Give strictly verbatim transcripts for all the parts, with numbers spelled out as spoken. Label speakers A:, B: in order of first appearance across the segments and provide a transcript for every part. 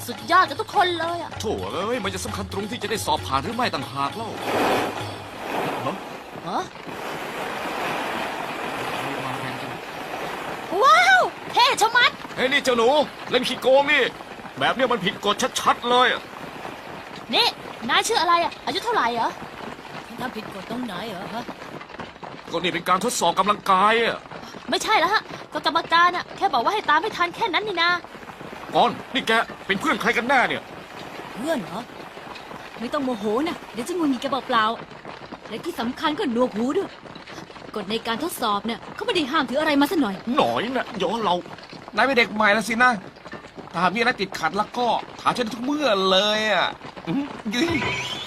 A: สุดยอดกันทุกคนเลยอ่ะ
B: โถ่เอ้ยมันจะสำคัญตรงที่จะได้สอบผ่านหรือไม่ต่างหากเล่าฮะ
A: ฮะว้าวเท่ชะมัด
B: เฮ้ยนี่เจ้าหนูเล่นขี้โกงนี่แบบเนี้ยมันผิดกฎชัดๆเลยอะ
A: นี่นายชื่ออะไรอ่ะอายุเท่าไหร่เหรอ
C: ทำผิดกฎตรงไหนเหรอฮะ
B: ก็นี่เป็นการทดสอบกำลังกายอะ
A: ไม่ใช่แล้วฮะก็กรรมการอ่ะแค่บอกว่าให้ตามให้ทันแค่นั้นนี่นา
B: ก่อนนี่แกเป็นเพื่อนใครกันแน่เนี่ย
C: เพื่อนเหรอไม่ต้องโมโหนะเดี๋ยวจะงุนงิดแกเปล่าๆและที่สำคัญก็หนวกหูด้วยกฎในการทดสอบเนี่ยเขาไม่ได้ห้ามถืออะไรมาซะหน่อย
B: หน่อยนะย้อนเรา
D: นายเป็นเด็กใหม่แล้วสินะถ้าหากมีอะไรติดขัดแล้วก็ถามฉันทุกเมื่อเลยอ่ะอื้อยืย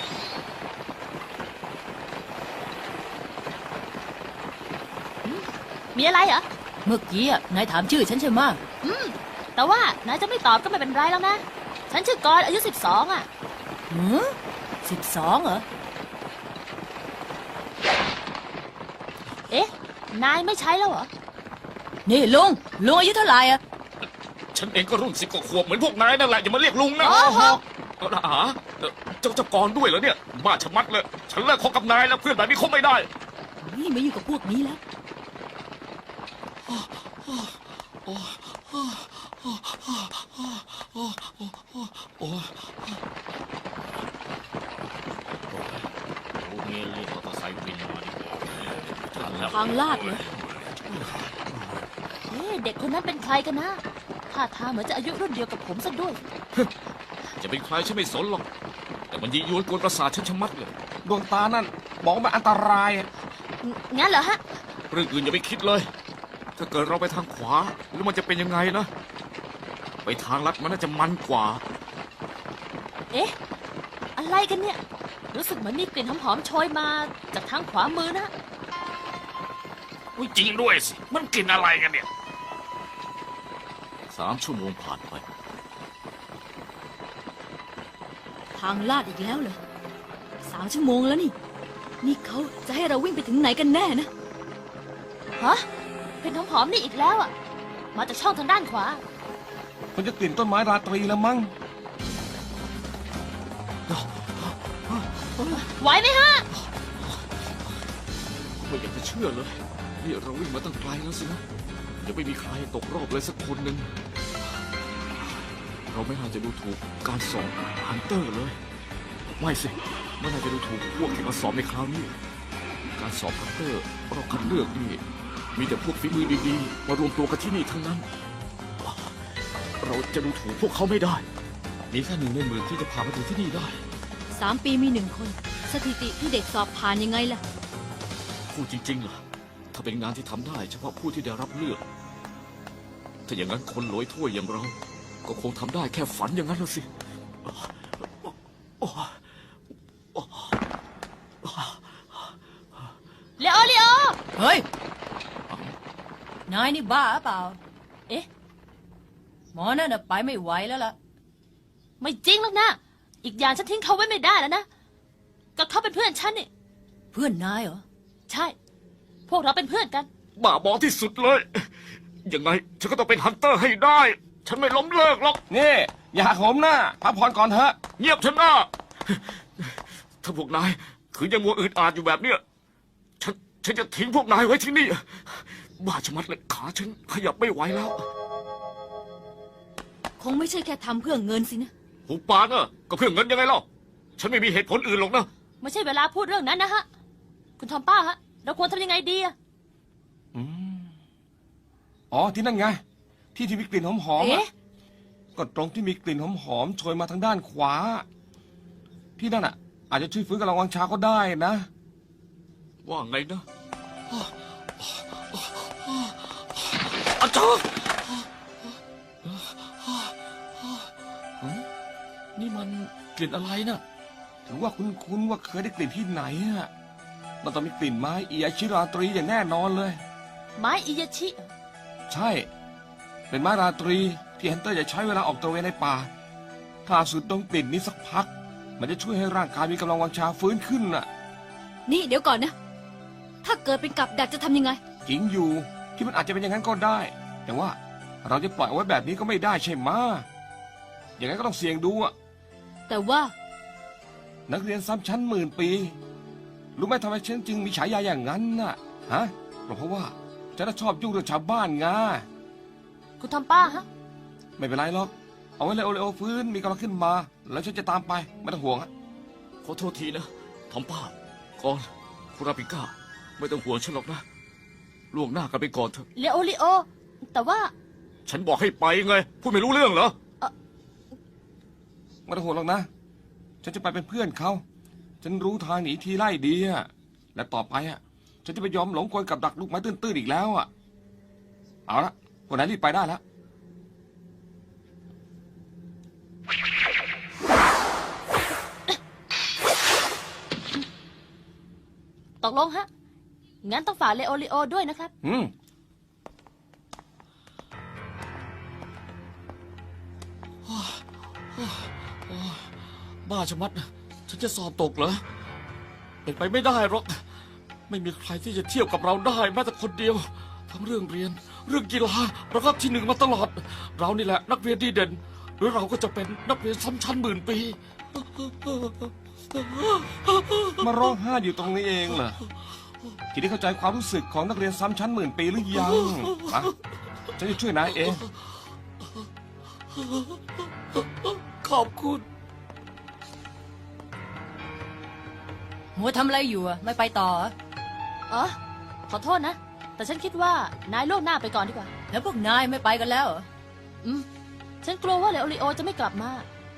A: มีอะไรเหรอ
C: เมื่อกี้อะนายถามชื่อฉันใช่ไหม
A: อืมแต่ว่านายจะไม่ตอบก็ไม่เป็นไรแล้วนะฉันชื่อกรอายุสิบสองอ่ะ
C: หือสิบสองเหรอ
A: เอ๊ะนายไม่ใช้แล้วเหรอ
C: นี่ลุงลุงอายุเท่าไหร่อะ
B: ฉันเองก็รุ่นสิบกว่าขวบเหมือนพวกนายนั่นแหละอย่ามาเรียกลุงนะ
A: โอ้โห
B: เอาละอาเอ่อเจ้าเจ้ากรด้วยเหรอเนี่ยบ้าชะมัดเลยฉันเลิกคบกับนายแล้วเพื่อนแบบนี้คบไม่ได้
C: นี่ไม่อยู่งกับพวกนี้แล้ว
B: โอ้เงี้ยเรียกมอเตอร์ไซค์วินมาดีกว่าทันแล้ว
C: ทางลาดเลย
A: เอ๊ะเด็กคนนั้นเป็นใครกันนะท่าทางเหมือนจะอายุรุ่นเดียวกับผมซะด้วย
B: จะเป็นใครฉันไม่สนหรอกแต่มันยียวนกวนประสาทฉันชะมัดเลย
D: ดวงตานั่นบอกว่ามันอันตรายอะ
A: งั้นเหรอฮะ
B: เรื่องอื่นอย่าไปคิดเลย ถ้าเกิดเราไปทางขวาแล้วมันจะเป็นยังไงนะไปทางลัดมันน่าจะมันกว่า
A: เอ๊ะ อะไรกันเนี่ย รู้สึกเหมือนมีกลิ่นหอมๆโชยมาจากทางขวามือนะ
B: อุ๊ยจริงด้วยสิ มันกลิ่นอะไรกันเนี่ย สามชั่วโมงผ่านไป
C: ทางลาดอีกแล้วเหรอสามชั่วโมงแล้วนี่ นี่เขาจะให้เราวิ่งไปถึงไหนกันแน่นะ
A: ฮะกลิ่นหอมๆนี่อีกแล้วอ่ะ มาจากช่องทางด้านขวา
D: มันจะกลิ่นต้นไม้ราตรีแล้วมั้ง
A: ไหวไหมฮะ
B: ไม่อยากจะเชื่อเลย นี่เราวิ่งมาตั้งไกลแล้วสินะยังไม่มีใครตกรอบเลยสักคนหนึ่ง เราไม่น่าจะดูถูกการสอบฮันเตอร์เลย ไม่สิไม่น่าจะดูถูกพวกที่มาสอบในคราวนี้ การสอบฮันเตอร์เราคัดเลือกนี่มีแต่พวกฝีมือดีๆ มารวมตัวกันที่นี่ทั้งนั้น เราจะดูถูกพวกเขาไม่ได้ มีแค่หนึ่งในหมื่นที่จะผ่านมาถึงที่นี่ได้
C: สามปีมีหนึ่งคน สถิติที่เด็กสอบผ่านยังไงล่ะ
B: พูดจริงๆล่ะ ถ้าเป็นงานที่ทำได้เฉพาะผู้ที่ได้รับเลือก ถ้าอย่างนั้นคนโหลอยถ้วยอย่างเรา ก็คงทำได้แค่ฝันอย่างนั้นละสิ
A: เลโอเลโอ
C: เฮ้ย นายนี่บ้าเปล่า
A: เอ๊ะ
C: หมอนั่นน่ะไปไม่ไหวแล้วล่ะ
A: ไม่จริงหรอกนะ อีกอย่างฉันทิ้งเขาไว้ไม่ได้แล้วนะ ก็เขาเป็นเพื่อนฉันนี่
C: เพื่อนนายเหรอ
A: ใช่ พวกเราเป็นเพื่อนกัน
B: บ้าบอที่สุดเลย ยังไงฉันก็ต้องเป็นฮันเตอร์ให้ได้ ฉันไม่ล้มเลิกหรอก
D: นี่อย่าหักโหมหน้าพักผ่อนก่อนเถอะ
B: เงียบเถอะนะถ้าพวกนายคือยังมัวอืดอาดอยู่แบบเนี้ย ฉันฉันจะทิ้งพวกนายไว้ที่นี่ บ้าชะมัดเลยขาฉันขยับไม่ไหวแล้ว
C: คงไม่ใช่แค่ทำเพื่อเงินสินะ
B: หูปานอะก็เพื่อเงินยังไงเล่า ฉันไม่มีเหตุผลอื่นหรอกนะ
A: ไม่ใช่เวลาพูดเรื่องนั้นนะฮะ คุณทอมป้าฮะ เราควรทำยังไงดีอะ
D: อืมอ๋อที่นั่นไง ที่ที่มีกลิ่นหอมๆอะ
A: เอ๊ะ
D: ก็ตรงที่มีกลิ่นหอมๆโชยมาทางด้านขวา ที่นั่นอ่ะ อาจจะช่วยฟื้นกำลังวังชาก็ได้นะ
B: ว่าไงนะอาจารย์นี่มันกลิ่นอะไรนะ
D: ถือว่าคุ้นๆว่าเคยได้กลิ่นที่ไหนอ่ะมันต้องมีกลิ่นไม้อีอาชิราตรีอย่างแน่นอนเลย
A: ไม้อิยาชิเหรอ
D: ใช่ เป็นไม้ราตรีที่ฮันเตอร์จะใช้เวลาออกตระเวนในป่า ถ้าสูดดมกลิ่นนี้สักพัก มันจะช่วยให้ร่างกายมีกำลังวังชาฟื้นขึ้นน่ะ
C: นี่เดี๋ยวก่อนนะ ถ้าเกิดเป็นกับดักจะทำยังไง
D: จริงอยู่ที่มันอาจจะเป็นอย่างนั้นก็ได้ แต่ว่าเราจะปล่อยเอาไว้แบบนี้ก็ไม่ได้ใช่ไหมะอย่างนั้นก็ต้องเสี่ยงดูอะ
C: แต่ว่า
D: นักเรียนซ้ำชั้นหมื่นปี รู้ไหมทำไมฉันจึงมีฉายาอย่างนั้นน่ะ ฮะเพราะว่าฉันน่ะชอบยุ่งเรื่องชาวบ้านไง
A: คุณทอมป้าฮะ
D: ไม่เป็นไรหรอก เอาไว้เลยโอเลโอฟื้นมีกำลังขึ้นมา แล้วฉันจะตามไปไม่ต้องห่วงอะ
B: ขอโทษทีนะทอมป้าก่อนคุราปิก้า ไม่ต้องห่วงฉันหรอกนะล่วงหน้ากันไปก่อนเถอะ
A: เลโอริโอ แต่ว่า
B: ฉันบอกให้ไปไง พูดไม่รู้เรื่องเหรอ
D: ไม่ต้องห่วงหรอกนะ ฉันจะไปเป็นเพื่อนเขา ฉันรู้ทางหนีทีไล่ดีอะและต่อไปอะฉันจะไปยอมหลงกลกับดักลูกไม้ตื้นๆอีกแล้วอะเอาละพวกนายรีบไปได้แล้ว
A: ตกลงฮะ งั้นต้องฝากเลโอริโอด้วยนะครับ
D: อืม
B: บ้าชะมัด ฉันจะสอบตกเหรอ เป็นไปไม่ได้หรอก ไม่มีใครที่จะเทียบกับเราได้แม้แต่คนเดียว ทั้งเรื่องเรียน เรื่องกีฬาเราก็ที่หนึ่งมาตลอด เรานี่แหละนักเรียนดีเด่น หรือเราก็จะเป็นนักเรียนซ้ำชั้นหมื่นปี
D: มาร้องไห้อยู่ตรงนี้เองเหรอทีนี้เข้าใจความรู้สึกของนักเรียนซ้ำชั้นหมื่นปีหรือยังอะฉันจะช่วยนายเอง
B: ขอบคุณ
C: หัวทำอะไรอยู่อะไม่ไปต่อ
A: อ๋อ ขอโทษนะ แต่ฉันคิดว่านายล่วงหน้าไปก่อนดีกว่า
C: แล้วพวกนายไม่ไปกันแล้วเหรอ
A: อืม ฉันกลัวว่าเลโอริโอจะไม่กลับมา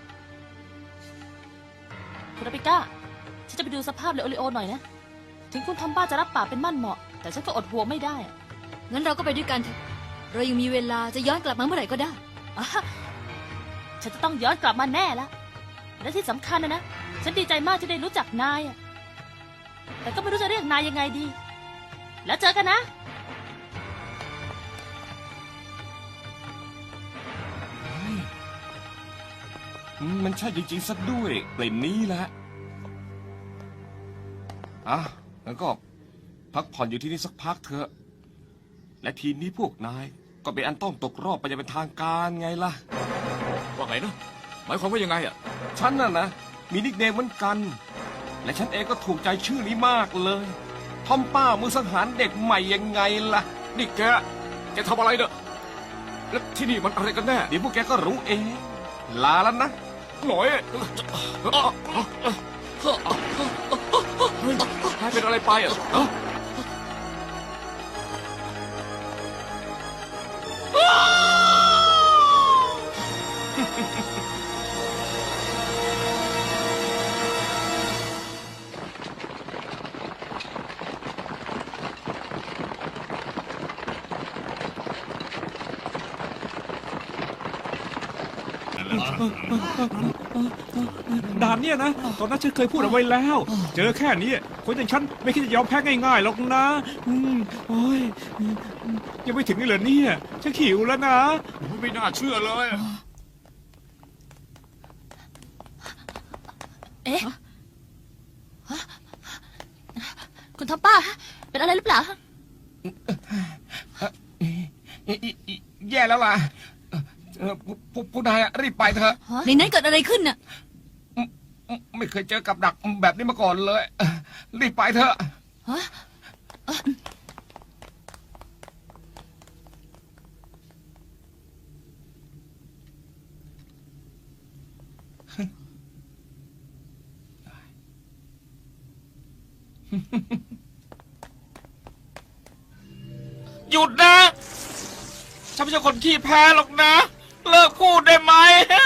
A: คุณอาปิก้า ฉันจะไปดูสภาพเลโอริโอหน่อยนะ ถึงคุณทอมบ้าจะรับปากเป็นมั่นเหมาะ แต่ฉันก็อดห่วงไม่ได้อะ
C: งั้นเราก็ไปด้วยกันเถอะ เรายังมีเวลาจะย้อนกลับมาเมื่อไหร่ก็ได้
A: อ่ะฉันจะต้องย้อนกลับมาแน่ละและที่สำคัญนะนะ ฉันดีใจมากที่ได้รู้จักนายอะแต่ก็ไม่รู้จะเรียกนายยังไงดี แล้วเจอกันนะ
D: อืมมันใช่จริงๆซะด้วยกลิ่นนี้แหละอ่ะงั้นก็พักผ่อนอยู่ที่นี่สักพักเถอะ และทีนี้พวกนายก็เป็นอันต้องตกรอบไปอย่างเป็นทางการไงล่ะ
B: ว่าไงนะ หมายความว่ายังไงอ่ะ
D: ฉันน่ะนะ มีนิกเนมเหมือนกัน และฉันเองก็ถูกใจชื่อนี้มากเลย ทอมป้ามือสังหารเด็กใหม่ยังไงล่ะ
B: นี่แก แกทำอะไรเนี่ยแล้วที่นี่มันอะไรกันแน่
D: เดี๋ยวพวกแกก็รู้เอง ลาแล้วนะ
B: หน่อยเฮ้ยนายเป็นอะไรไปอ่ะฮะ
E: ด่านเนี่ยนะ ตอนนั้นฉันเคยพูดเอาไว้แล้ว เจอแค่นี้คนอย่างฉันไม่คิดจะยอมแพ้ง่ายๆหรอกนะอืมโอ้ยยังไม่ถึงนี่เหรอเนี่ยฉันหิวแล้วนะ
B: ไม่น่าเชื่อเลย
A: เอ๊ะฮะคุณทอมป้า เป็นอะไรหรือเปล่า
D: แย่แล้วล่ะเอ่อพวกพวกพวกนายอะรีบไปเถอะ
C: ในนั้นเกิดอะไรขึ้นน่ะ
D: ไม่เคยเจอกับดักแบบนี้มาก่อนเลย รีบไปเถอะ
A: ฮะเอ่อ
F: หยุดนะ ฉันไม่ใช่คนขี้แพ้หรอกนะ เลิกพูดได้ไหม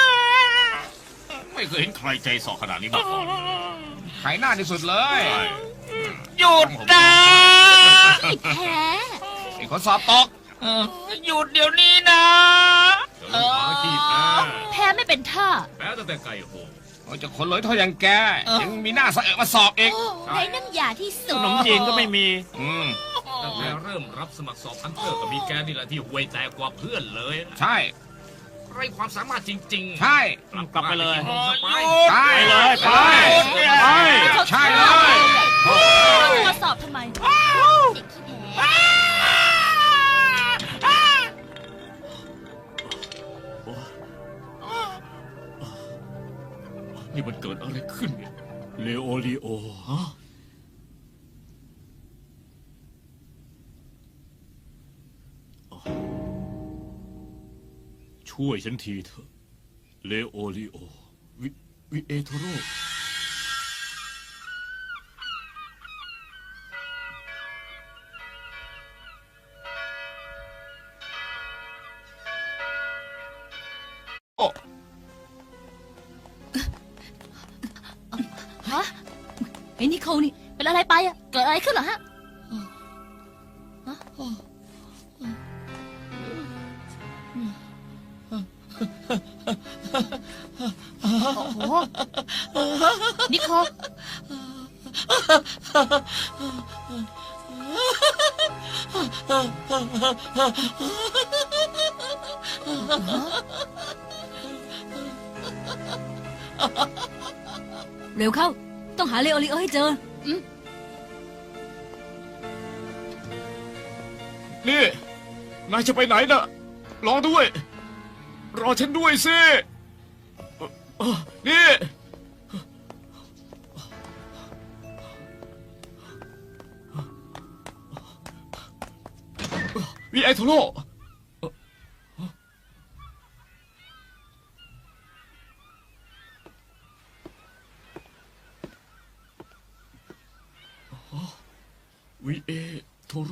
G: ไม่เคยเห็นใครใจสอขนาดนี้มาก่อน
D: ขายหน้าที่สุดเลย
F: หยุดนะ
A: แพ้
D: ไอ้คนสอบตก
F: เออหยุดเดี๋ยวนี้นะ
G: เดี๋ยวลูกหมาขี้แพ้
A: แพ้ไม่เป็นท่า
G: แพ้ตั้งแต่ไก่โห
D: โอ้ยเจะคนเลยเท่าอย่างแก ยังมีหน้าสะเอะมาสอบอีก
A: ไอ้น้ำยาที่สุ
F: ข
A: ด
F: นมจีนก็ไม่มี
D: อืม
G: ตั้งแต่เริ่มรับสมัครสอบฮันเตอร์ก็มีแกนี่แหละที่ห่วยแตกกว่าเพื่อนเลย
D: ใช่
G: ไรความสามารถจริงๆ
D: ใช่
G: กลับไปเลย
D: ใช่
F: ไปเลยไปไป
D: ใช่เลย
A: มาสอบทำไมเด็กขี้แพ้
B: พนี่มันเกิดอะไรขึ้นเนี่ย
E: เลโอริโอ
B: ฮะ
E: ช่วยฉันทีเถอะ เลโอริโอ
B: วิวิเอโทโร่
A: ฮะ
C: ไอ้นิโคลนี่
A: เป็นอะไรไปอะเกิดอะไรขึ้นเหรอฮะฮะโอ้โหนิโคล
C: เร็วเข้า ต้องหาเลโอริโอให้เจอ
B: นี่ นายจะไปไหนน่ะ รอด้วย รอฉันด้วยสิเอ่อเอ่อนี่ วิไอโทโร่เอ่อวิเอโทโร่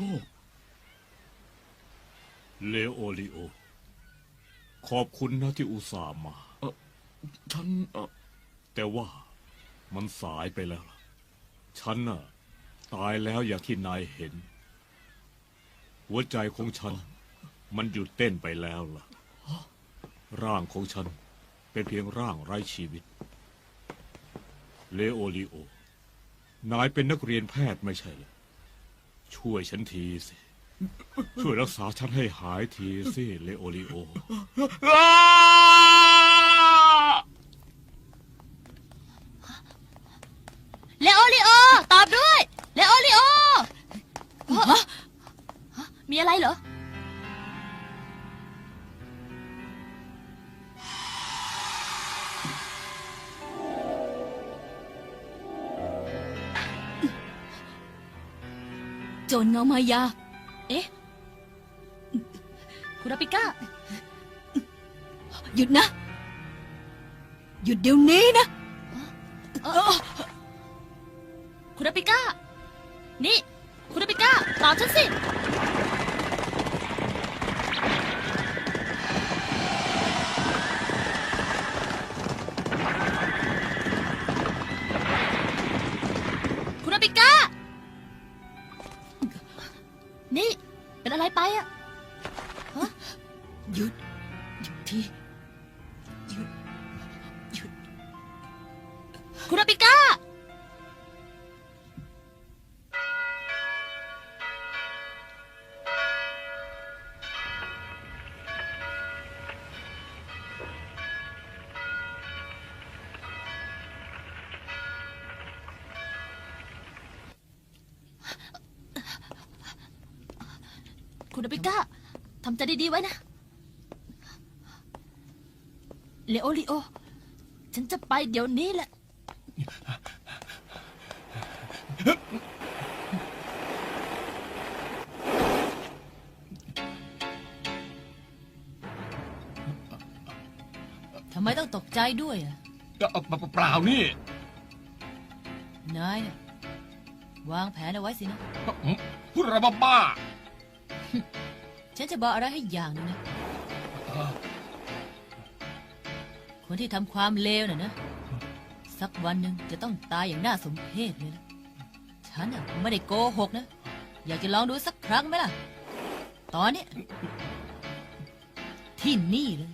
E: เลโอริโอ ขอบคุณนะที่อุตส่าห์มา
B: ฉันเอ่อ
E: แต่ว่ามันสายไปแล้วล่ะ ฉันน่ะ ตายแล้วอย่างที่นายเห็น หัวใจของฉัน มันหยุดเต้นไปแล้วล่ะ ร่างของฉันเป็นเพียงร่างไร้ชีวิต เลโอริโอ นายเป็นนักเรียนแพทย์ไม่ใช่เหรอช่วยฉันทีสิ ช่วยรักษาฉันให้หายทีสิ เลโอริโอ
A: เลโอริโอ ตอบด้วย เลโอริโอฮะฮะมีอะไรเหรอ
C: โจรเงามายา
A: เอ๊ะ คุณอาปิก้า
C: หยุดนะ หยุดเดี๋ยวนี้นะ
A: เอ่อคุณอาปิก้า นี่ คุณอาปิก้า ตอบฉันสิ คุณอาปิก้า นี่ เป็นอะไรไปอะฮะ
C: หยุด หยุดทีหยุด หยุด
A: คุณอาปิก้า คุณอาปิก้า ทำใจดีๆไว้นะ เลโอริโอ ฉันจะไปเดี๋ยวนี้แหละ
C: ทำไมต้องตกใจด้วยอ่ะ
F: เอ่อเปล่านี่
C: นายน่ะวางแผนเอาไว้สินะ
F: พูดอะไรบ้า
C: ฉันจะบอกอะไรให้อย่างหนึงนะ คนที่ทำความเลวน่ะนะ สักวันหนึ่งจะต้องตายอย่างน่าสมเพชเลยนะ ฉันน่ะไม่ได้โกหกนะ อยากจะลองดูสักครั้งไหมล่ะ ตอนเนี้ยที่นี่เลย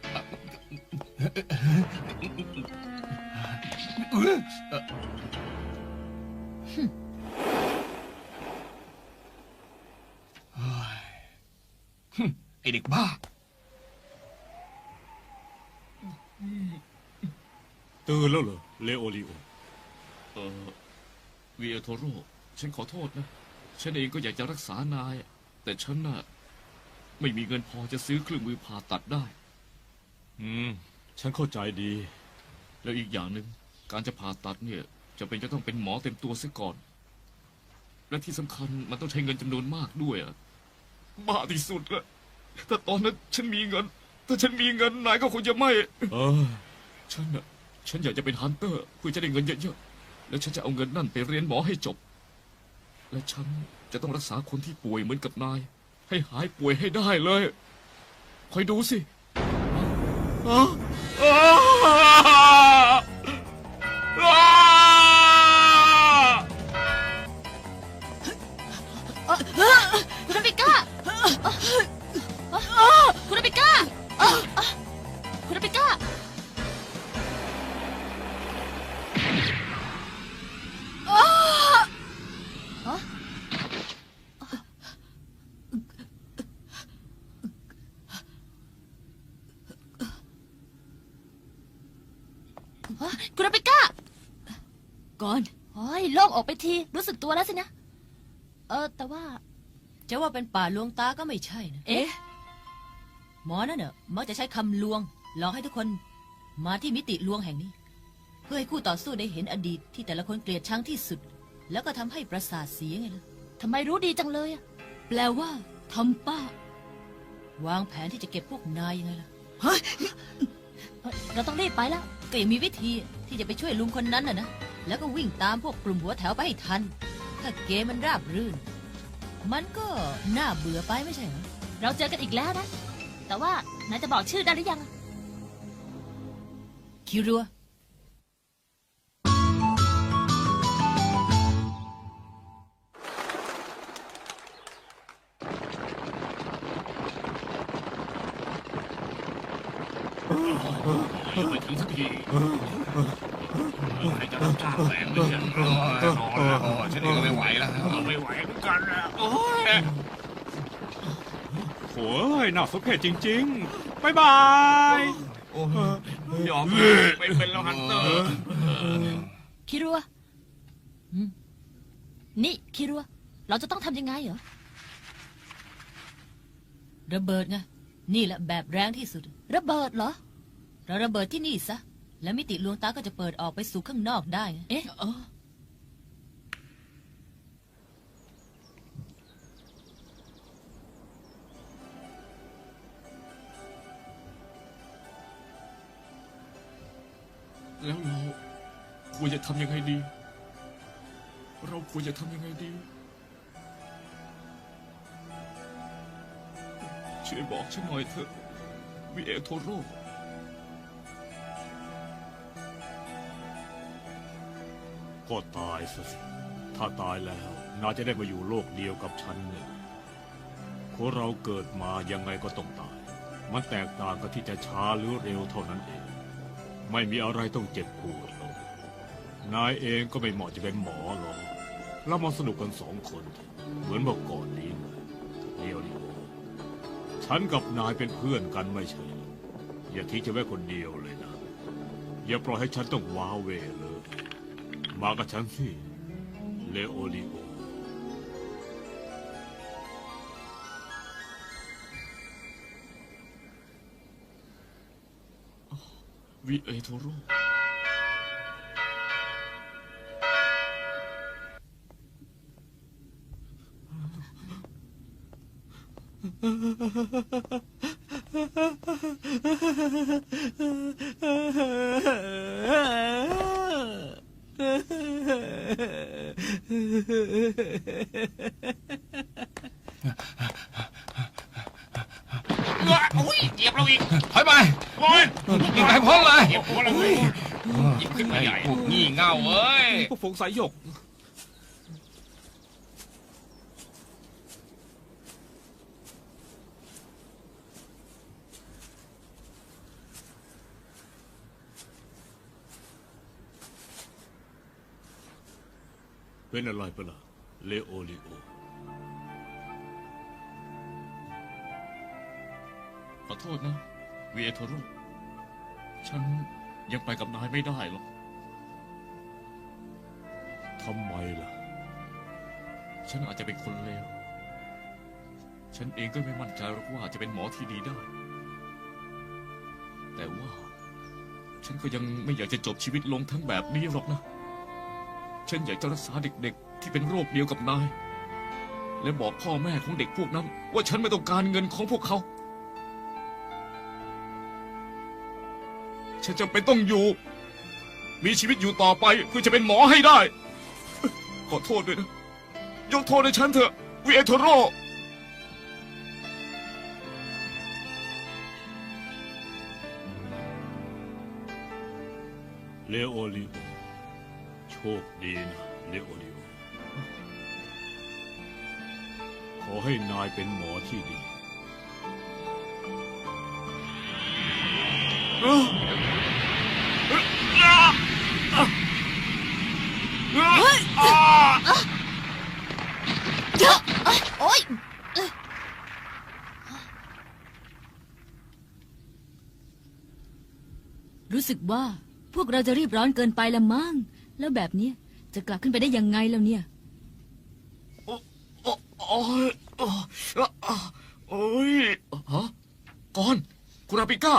F: ไอเด็กบ้า
E: ตื่นแล้วเหรอ เลโอริโอ
B: เออวิเอโทโร่ ฉันขอโทษนะ ฉันเองก็อยากจะรักษานาย แต่ฉันน่ะ ไม่มีเงินพอจะซื้อเครื่องมือผ่าตัดได้
E: อืม ฉันเข้าใจดี
B: แล้วอีกอย่างหนึ่งการจะผ่าตัดเนี่ยจะเป็นจะต้องเป็นหมอเต็มตัวเสียก่อน และที่สำคัญมันต้องใช้เงินจำนวนมากด้วยอะบ้าที่สุดละถ้าตอนนั้นฉันมีเงิน ถ้าฉันมีเงินนายก็คงจะไม่ เออ ฉันอะฉันอยากจะเป็นฮันเตอร์เพื่อจะได้เงินเยอะๆ แล้วฉันจะเอาเงินนั่นไปเรียนหมอให้จบ และฉันจะต้องรักษาคนที่ป่วยเหมือนกับนาย ให้หายป่วยให้ได้เลยคอยดูสิอ๋ออ๋ออ๋อ
A: คุณอเมริก้าคุณอเมริก้าคุณอเมริก้าคุณอเมริก้า
C: ก่อน
A: โอ้ยโล่งออกไปที รู้สึกตัวแล้วสินะ เออ แต่ว่า
C: จะว่าเป็นป่าลวงตาก็ไม่ใช่นะ
A: เอ๊ะ
C: หมอนั่นเนอะมักจะใช้คำลวงหลอกให้ทุกคนมาที่มิติลวงแห่งนี้ เพื่อให้คู่ต่อสู้ได้เห็นอดีตที่แต่ละคนเกลียดชังที่สุด แล้วก็ทำให้ประสาทเสียไงล่ะ
A: ทำไมรู้ดีจังเลยอะ
C: แปลว่าทำป้า วางแผนที่จะเก็บพวกนายยังไงล่ะ
A: เฮ้ยเราต้องรีบไปแล้ว
C: ก็ยังมีวิธีที่จะไปช่วยลุงคนนั้นน่ะนะ แล้วก็วิ่งตามพวกกลุ่มหัวแถวไปให้ทัน ถ้าเกมมันราบรื่น มันก็น่าเบื่อไปไม่ใช่เหรอ
A: เราเจอกันอีกแล้วนะ แต่ว่านายจะบอกชื่อได้หรือยัง
C: คิรัว
G: ไม่ถึงสักทีใครจะรับจ้างแฝงเลยเนี่ยนอนแล้วฉันเองก็ไม่ไหวแล้วไม่ไหวเหมือนกันนะโอ้ย
E: โอ้ยน่าสมเพชจริงๆบายบาย
G: ยอมไปเป็นแล้วฮันเตอร์
A: คิรัวอืมนี่คิรัว เราจะต้องทำยังไงเหรอ
C: ระเบิดไง นี่แหละแบบแรงที่สุด
A: ระเบิดเหรอ
C: เราระเบิดที่นี่ซะ แล้วมิติลวงตาก็จะเปิดออกไปสู่ข้างนอกได้ไง
A: เอ๊ะ
C: เออ
B: แล้วเราควรจะทำยังไงดี เราควรจะทำยังไงดี ช่วยบอกฉันหน่อยเถอะวิเอโทโร่
H: ก็ตายซะสิ ถ้าตายแล้วน่าจะได้มาอยู่โลกเดียวกับฉันเนี่ยคนเราเกิดมายังไงก็ต้องตาย มันแตกต่างกันที่จะช้าหรือเร็วเท่านั้นเอง ไม่มีอะไรต้องเจ็บปวดหรอกนายเองก็ไม่เหมาะจะเป็นหมอหรอกเรามาสนุกกันสองคน เหมือนเมื่อก่อนนี้ไงเดียวดิโอฉันกับนายเป็นเพื่อนกันไม่ใช่เหรออย่าทิ้งฉันไว้คนเดียวเลยนะ อย่าปล่อยให้ฉันต้องว้าเหวเลย มากับฉันสิเลโอลิโอ
B: วิเอโทโร่
G: อุ้ยเหยียบเราอีก
D: ถอยไป
G: โอ้ย
D: ยิงไปพ้นเลย
G: เหยียบหัวเราเลยหยิบขึ้นมาใหญ่
D: พวกงี่เง่าเอ้ย
E: พวกฝงสายหยก
H: เป็นอะไรไปล่ะเลโอลิโอ
B: ขอโทษนะวิเอโทโร่ ฉันยังไปกับนายไม่ได้หรอก
H: ทำไมล่ะ
B: ฉันอาจจะเป็นคนเลว ฉันเองก็ไม่มั่นใจหรอกว่าจะเป็นหมอที่ดีได้ แต่ว่า ฉฉันก็ยังไม่อยากจะจบชีวิตลงทั้งแบบนี้หรอกนะ ฉันอยากจะรักษาเด็กๆที่เป็นโรคเดียวกับนาย และบอกพ่อแม่ของเด็กพวกนั้น ว่าฉันไม่ต้องการเงินของพวกเขา ฉันจำเป็นต้องอยู่ มีชีวิตอยู่ต่อไปเพื่อจะเป็นหมอให้ได้ ขอโทษด้วยนะ ยกโทษให้ฉันเถอะวิเอโทโร่
H: เลโอริโอโชคดีนะเลโอริโอขอให้นายเป็นหมอที่ดี
A: โอ๊ย
C: รู้สึกว่าพวกเราจะรีบร้อนเกินไปละมั้งแล้วแบบนี้จะกลับขึ้นไปได้ยังไงแล้วเนี่ย
B: โอ้โอ้โอ้ยโอ้โอ้ยฮะก่อนคุณอาปิก้า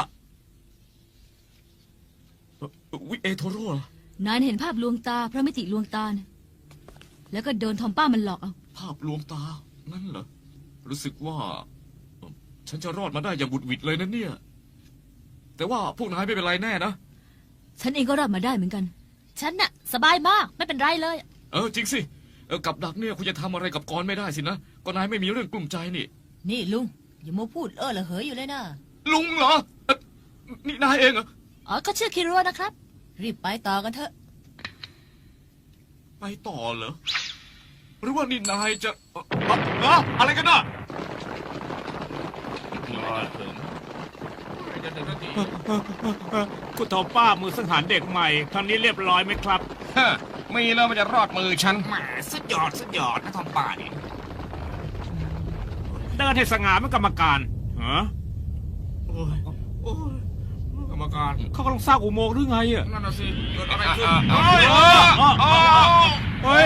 B: วิเอโทโร่เหรอน
C: ายเห็นภาพลวงตาพระมิติลวงตานะแล้วก็โดนทอมป้ามันหลอกเอา
B: ภาพลวงตา นั่นเหรอ รู้สึกว่า ฉันจะรอดมาได้อย่างบุดหวิดเลยนะเนี่ย แต่ว่าพวกนายไม่เป็นไรแน่นะ
C: ฉันเองก็รอดมาได้เหมือนกัน
A: ฉันน่ะสบายมากไม่เป็นไรเลย
B: เออจริงสิเออกับดักเนี่ยคุณจะทำอะไรกับกรไม่ได้สินะก็นายไม่มีเรื่องกลุ้มใจนี่
C: นี่ลุงอย่ามัวพูดเออละเหยอยู่เลยนะ
B: ลุงเหรอเอ่อนี่นายเองเหรอ
A: อ๋อก็ชื่อคิรัวนะครับ
C: รีบไปต่อกันเถอะ
B: ไปต่อเหรอ หรือว่านี่นายจะเอ่อเอ่อเอ่ออะไรกันน่ะ
E: คุณทอมป้ามือสังหารเด็กใหม่ครั้งนี้เรียบร้อยไหมครับ
D: ฮะมีแล้วมันจะรอดมือฉัน
F: แหมสุดยอดสุดยอดนะทอมป่านี่
E: เดินให้สง่าเป็นกรรมการฮะ
B: โอ้ยโอ้ย
D: กรรมการ
E: เขากำลังสร้างอุโมงค์หรือไงอ่ะ
D: นั่นน่ะสิเกิดอะไรขึ้น
E: เฮ้ยเฮ้ย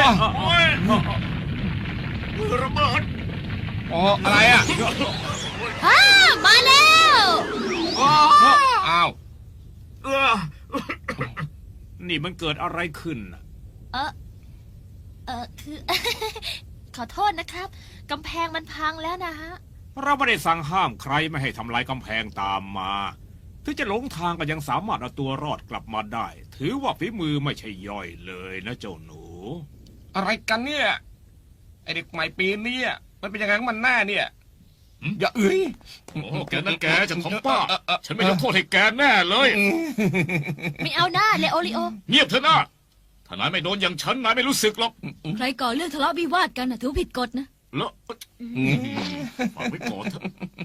F: ระเบิด
D: อ๋ออะไรอ่ะ
A: อ้ามาแล้ว
D: อ้าว
F: เออ
E: นี่มันเกิดอะไรขึ้นน่ะ
A: เออเออคือ ขอโทษนะครับกำแพงมันพังแล้วนะฮะ
E: เราไม่ได้สั่งห้ามใครไม่ให้ทำลายกำแพงตามมาถึงจะหลงทางก็ยังสามารถเอาตัวรอดกลับมาได้ ถือว่าฝีมือไม่ใช่ย่อยเลยนะเจ้าหนู
D: อะไรกันเนี่ยไอเด็กใหม่ปีนี้อะมันเป็นยังไงของมันแน่เนี่ยอย่าเอ้ย
B: โอ้แกนั่นแกจะของป้า ฉันไม่ยกโทษให้แกแน่เลย
A: ไม่เอาหน้าเลโอริโอ
B: เงียบเถอะนะถ้านายไม่โดนอย่างฉันนายไม่รู้สึกหรอก
C: ใครก่อเรื่องทะเลาะวิวาทกันนะถือว่าผิดกฎนะ
B: แล้วฝากไว้ก่อนเถอะ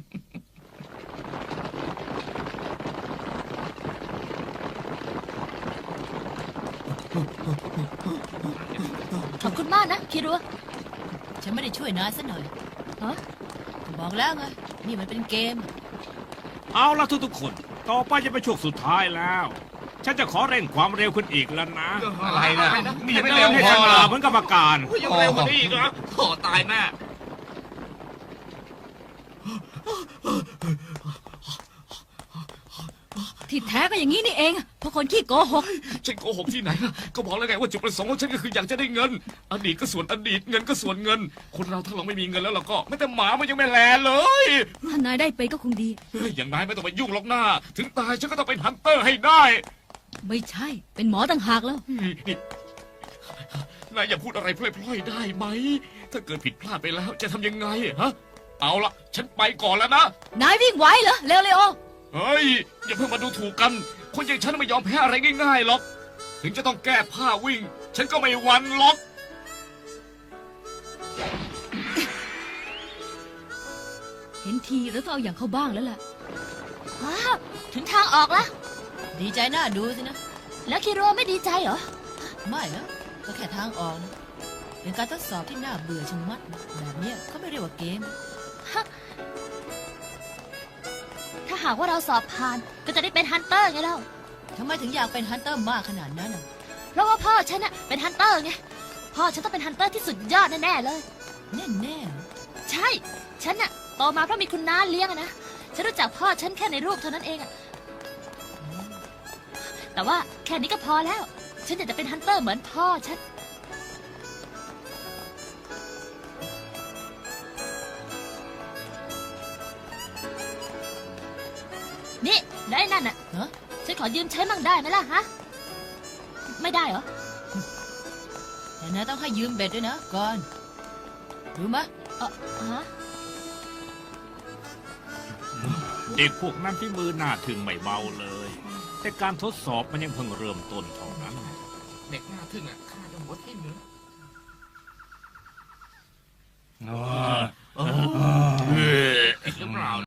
A: ขอบคุณมากนะคิรัว
C: ฉันไม่ได้ช่วยนายซะหน่อย
A: ฮะ
C: ก็บอกแล้วไงนี่มันเป็นเกม
E: เอาละทุกๆคน ต่อไปจะเป็นช่วงสุดท้ายแล้ว ฉันจะขอเร่งความเร็วขึ้นอีกแล้วนะ
D: อะไรนะนี่ยังไม่
E: เดิ
D: เร็
E: น
D: ว
E: ให้
D: พ
E: ส
D: อเหร
E: ง่า
D: อ
E: เหมือนกรรมการ
F: ยังเร็วกว่านี้อีกเหรอโถ่ตายแน่
C: ที่แท้ก็อย่างนี้นี่เองเพราะคนขี้โกหก
B: ฉันโกหกที่ไหนล่ะก็บอกแล้วไงว่าจุดประสงค์ของฉันก็คืออยากจะได้เงิน อดีตก็ส่วนอดีตเงินก็ส่วนเงิน คนเราถ้าเราไม่มีเงินแล้วเราก็ไม่แต่หมามันยังไม่แลเลย
C: ถ้านายได้ไปก็คงดี
B: เฮ้ยอย่างนายไม่ต้องไปยุ่งหรอกหน้า ถึงตายฉันก็ต้องเป็นฮันเตอร์ให้ได้
C: ไม่ใช่ เป็นหมอต่างหากแล้ว
B: นี่นายอย่าพูดอะไรพล่อยๆได้ไหม ถ้าเกิดผิดพลาดไปแล้วจะทำยังไงฮะ เอาละฉันไปก่อนแล้วนะ
C: นายวิ่งไหวเหรอเร็วเร็ว
B: เฮ้ย อย่าเพิ่งมาดูถูกกัน คนอย่างฉันไม่ยอมแพ้อะไรง่ายๆหรอก ถึงจะต้องแก้ผ้าวิ่ง ฉันก็ไม่หวั่นหรอก
C: เห็นทีแล้วต้องเอาอย่างเข้าบ้างแล้วล่ะ
A: ว้าวถึงทางออกแล้ว
C: ดีใจน่าดูสินะ
A: แล้วคิรัวไม่ดีใจเหรอ
C: ไม่นะก็แค่ทางออกนะเป็นการทดสอบที่น่าเบื่อชะมัดนะแบบเนี้ยเขาไม่เรียกว่าเกม
A: ถ้าหากว่าเราสอบผ่านก็จะได้เป็นฮันเตอร์ไงเล่า
C: ทำไมถึงอยากเป็นฮันเตอร์มากขนาดนั้นน่ะ
A: เพราะว่าพ่อฉันน่ะเป็นฮันเตอร์ไง พ่อฉันต้องเป็นฮันเตอร์ที่สุดยอดแน่ๆเลย
C: แน่แน่
A: ใช่ ฉันน่ะโตมาเพราะมีคุณน้าเลี้ยงอะนะ ฉันรู้จักพ่อฉันแค่ในรูปเท่านั้นเองอะแต่แต่ว่าแค่นี้ก็พอแล้ว ฉันอยากจะเป็นฮันเตอร์เหมือนพ่อฉัน นี่ได้นั่นน่ะ
C: ฮะ
A: ฉันขอยืมใช้มั่งได้ไหมล่ะฮะ ไม่ได้เหรอ
C: แต่นายต้องให้ยืมเบ็ดด้วยนะก่อนรู้มะ
A: เออฮะ
H: เด็กพวกนั้นที่มือหน้าถึงไม่เบาเลย แต่การทดสอบมันยังเพิ่งเริ่มต้นเท่านั้น
F: เด็กหน้าทึ่งอ่ะข้าจะหัวทิ่มเลย
G: เออ
F: ผิดหรือเปล่า